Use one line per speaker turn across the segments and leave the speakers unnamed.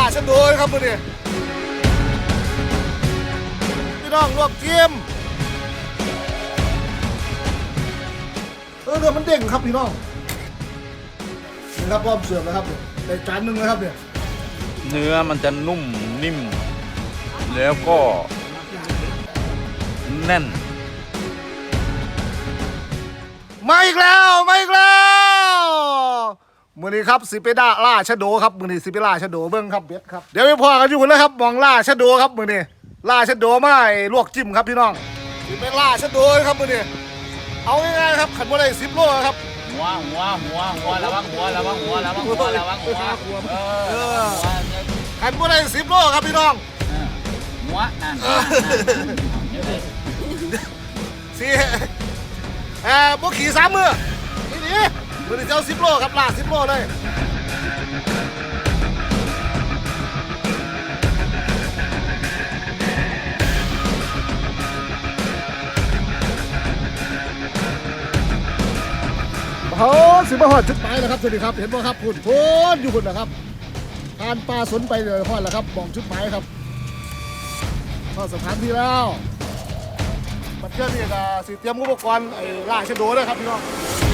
ชะโดยครับมือนี่พี่น้องลวกเทียมเนื้อมันเด้งครับพี่น้องนี่ครับพร้อมเสิร์ฟแล้วครับในจานหนึ่งนะครับเนี่ย
เนื้อมันจะนุ่มนิ่มแล้วก็แน่น
มาอีกแล้วมือนี้ครับสิเปดาล่าชะโดครับมือนี้สิเปล่าชะโดเบิ้งครับเบ็ดครับเดี๋ยวไปพอกันอยู่แล้วครับมองล่าชะโดครับมือนี้ล่าชะโดไม่ลวกจิ้มครับพี่น้องสิเปล่าชะโดครับมือนี้เอาง่ายๆครับขันว่าได้10 โลครับ
หัวระวังหัว
ขันว่าได้10 โลครับพี่น้อง
หัวนั่น
สิบุกขี่3 มือนี่มือนี้เจ้า10 โลครับล่า10 โลเลยเขาสิบหอดจุดหมายแล้วครับสวัสดีครับเห็นบ่ครับคุณโพ้นอยู่คุณนะครับทานปลาสนไปเลยพอดแล้วครับมองจุดหมายครับเข้าสถานที่แล้วบัดเจ้านี่ก็สิเตรียมอุปกรณ์ล่าชะโดด้วยครับพี่น้อง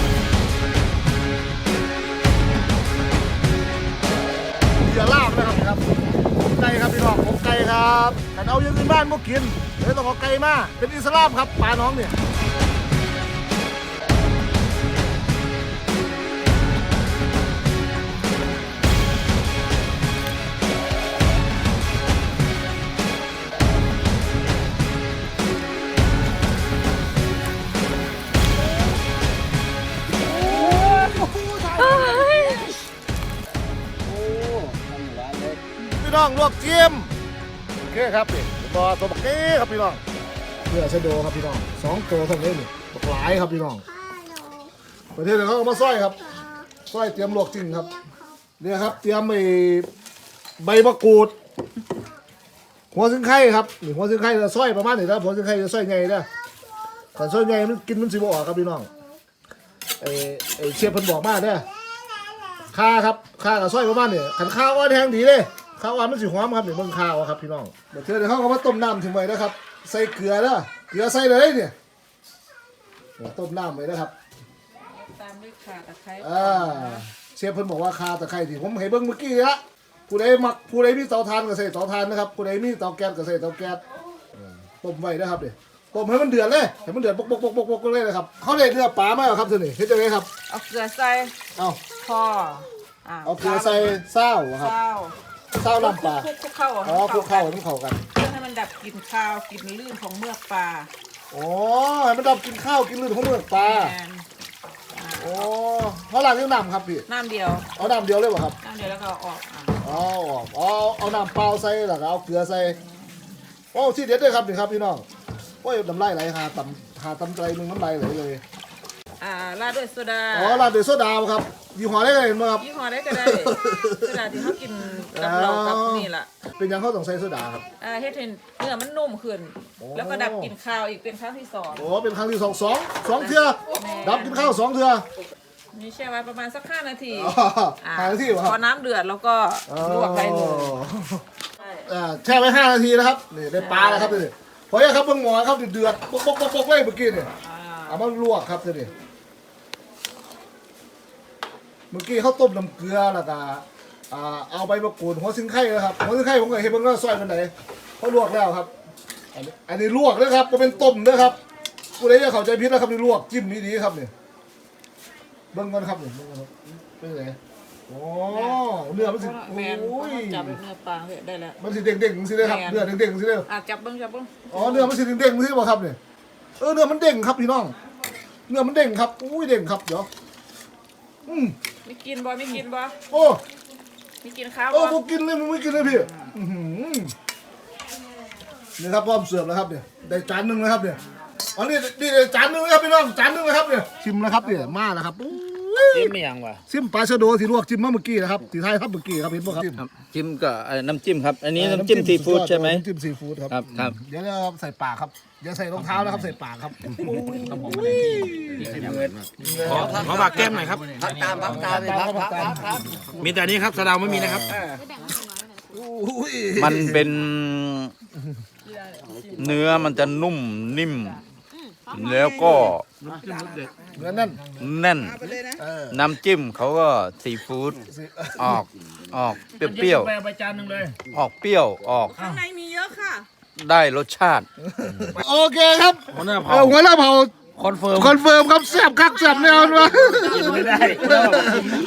เหยื่อลาบนะครับไก่ครับพี่น้องผมไก่ครับแต่เอาอย่างอื่นบ้านพวกกินเลยต้องเอาไก่มาเป็นอิสลามครับปลาน้องเนี่ยพี่น้องลวกจิ้มโอเคครับนี่ตัวบักเก้ครับพี่น้องเพื่อชะโดครับพี่น้อง2 ตัวทั้งนี้นี่บักหลายครับพี่น้องประเทศเขาเอามาซ้อยครับซ้อยเตรียมลวกจิ้มครับเนี่ยครับเตรียมใบมะกรูดหัวซึ่งไข่ครับนี่หัวซึ่งไข่จะซ้อยประมาณนี้นะหัวซึ่งไข่จะซ้อยไงนะแต่ซ้อยไงมันกินมันสิบออกครับพี่น้องเชฟเพิ่นบอกมาเนี่ยข้าครับข้ากับซ้อยประมาณนี้ขันข้าวว่าแทงดีเลยข้าวอ่อนมันสีหอมครับเนี่ยเบิ่งข้าวครับพี่น้องเดี๋ยวเขาก็มาต้มน้ำถึงไว้นะครับใส่เกลือนะเกลือใส่เลยเนี่ยต้มน้ำไว้นะครับ
ตามด้วยข่าตะไคร้
เชฟเพิ่นบอกว่าข่าตะไคร้ที่ผมให้เบิ่งเมื่อกี้ละผู้ใดมักผู้ใดมีเตาถ่านก็ใส่เตาถ่านนะครับผู้ใดมีเตาแก๊สก็ใส่เตาแก๊สต้มไว้นะครับเนี่ยต้มให้มันเดือดเลยให้มันเดือดปกเลยนะครับเขาเรียกเนื้อปลาไหมครับท่านนี่เฮ็ดจังไงครับ
เอาเกลือใส่พอ
เอาเกลือใส่เศร้าครับเศร้าน้ำปลา
คลุกเข้า
คลุกเข้าต้องเข้ากัน
เพื่อให้มันดับกลิ่นคาวกลิ่นลื่นของเมือกปลา
ให้มันดับกินข้าวกินลื่นของเมือกปลาเขาล้างด้วยน้ำครับพี่
น้ำเดียว
เอาน้ำเดียวเลยป่ะครับ
น้ำเดียวแล้วก็ออก
เอาน้ำเปล่าใส่แล้วก็เอาเกลือใส่ที่เด็ดด้วยครับนี่ครับพี่น้องน้ำลายไหลหาตำใจมึงน้ำลายไหลเลย
ราดด้วยโซดา
ราดด้วยโซดาครับยี่ห้อได้เลยมั้งครับ
ยี่ห้อได้ก็ได้โซดาที่เขากินกับเรากับนี่แหละ
เป็นยังเขาต้องใส่โซดาครับ
เฮ็ดให้เนื้อมันนุ่มขึ้นแล้วก็ดับกลิ่นคาวอีกเป็นครั้งที่2
เป็นครั้งที่2 2 เทื่อดับกลิ่นข้าว2 เทื่อ
นี่แช่ไว้ประมาณสัก5 นาที
5 นาที
พอน้ำเดือดแล้วก็ลวกได้เลย
แช่ไว้5 นาทีนะครับนี่ได้ปลาแล้วครับนี่พอยังครับเบิ่งหมอครับเดือดปกเลยเมื่อกี้เนี่ยเอามาลวกครับนี่เมื่อกี้เขาต้มน้ำเกลือแล้วก็เอาใบมะกรูดหัวซิงไข่นะครับหัวซิงไข่ผมก็เห็นมันก็ซอยมันไหนเขาลวกแล้วครับอันนี้ลวกนะครับก็เป็นต้มนะครับผู้ใดจะเข้าใจผิดนะครับนี่ลวกจิ้มนี่ดีครับเนี่ยเบิ่งกันครับเนี่ยเป็นไงเนื้อมันสิ
จับเนื้อปลาได้แล้ว
มันสิเด้งๆสิเลยครับเนื้อเด้งๆสิเลย
จับเบิ้ง
เนื้อมันสิเด้งๆสิบ่ครับเนี่ยเนื้อมันเด้งครับพี่น้องเนื้อมันเด้งครับเด้งครับเดี๋ยว
ไม่กินบ่ไม่กินข้าว
บ่กินเลยไม่กินเลยพี่นี่ครับพร้อมเสิร์ฟแล้วครับเนี่ยได้จานหนึ่งแล้วครับเนี่ยอันนี้จานหนึ่งนะครับพี่น้องจานหนึ่งนะครับเนี่ยชิมนะครับเนี่ยมาแล้วครับ
จิ้มไม่ยังวะ
ชิมปลาชะโดที่ลวกจิ้มเมื่อกี้นะครับที่ไทยครับเมื่อกี้ครับเห็นป่ะครับ
จิ้มกับน้ำจิ้มครับอันนี้น้ำจิ้มซีฟู้ดใช่ไหม
น้ำจิ้มซีฟู้ดครับเดี๋ยวเราใส่ปากครับเดี๋ยวใส่รองเท้าแล้วครับใส่ปากครับ
ขอฝากแก้มหน่อยครับ
ตาม
มีแต่นี้ครับสะเดาไม่มีนะครับ
มันเป็นเนื้อมันจะนุ่มนิ่ม แล้วก็
เนื้อแน่น
แน่น
เออ
น้ำจิ้มเขาก็ซีฟู้ดออกเปรี้ยว
ไปใบจานหนึ่งเลย
ออกเปรี้ยวออก
ข้างในมีเยอะค่ะ
ได้รสชาติ
โอเคครับ
หัวหน้า
เอ
เผา
อหัวหน้าเผา
คอนเฟิร์ม
คอนเฟิร์มครับแซ่บคักแซ่บแน่นอนวะ
กินไม่ได้